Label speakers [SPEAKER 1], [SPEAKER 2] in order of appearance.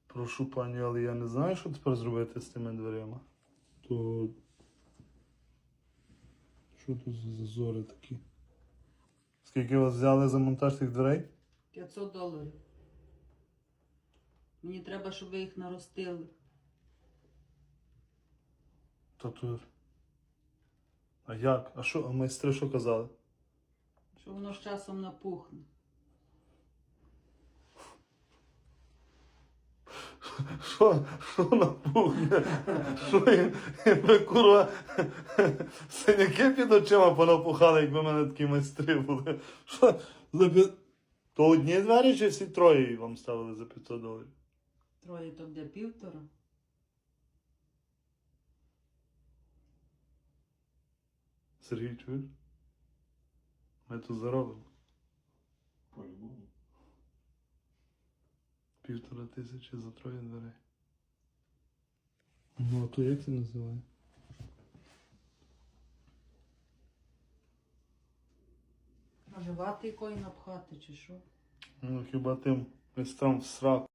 [SPEAKER 1] Прошу пані, але я не знаю, що тепер зробити з тими дверима. То... Що тут за зазори такі? Скільки вас взяли за монтаж тих дверей?
[SPEAKER 2] $500. Мені треба, щоб ви їх наростили.
[SPEAKER 1] Та тут... А як? А що? А майстри що казали?
[SPEAKER 2] Що воно з часом напухне.
[SPEAKER 1] Що на пухне? Що їм ви, курва, синяки під очима понапухали, якби в мене такі майстри були. Що за То одні двері чи всі троє вам ставили за $500?
[SPEAKER 2] Троє то де 1,5.
[SPEAKER 1] Сергій, чуєш? Ми тут заробимо.
[SPEAKER 3] По-любому.
[SPEAKER 1] 1500 за троє дверей. Ну, а то як це називає?
[SPEAKER 2] Може вати якої напхати чи що?
[SPEAKER 1] Ну, хіба тим майстрам в сраку.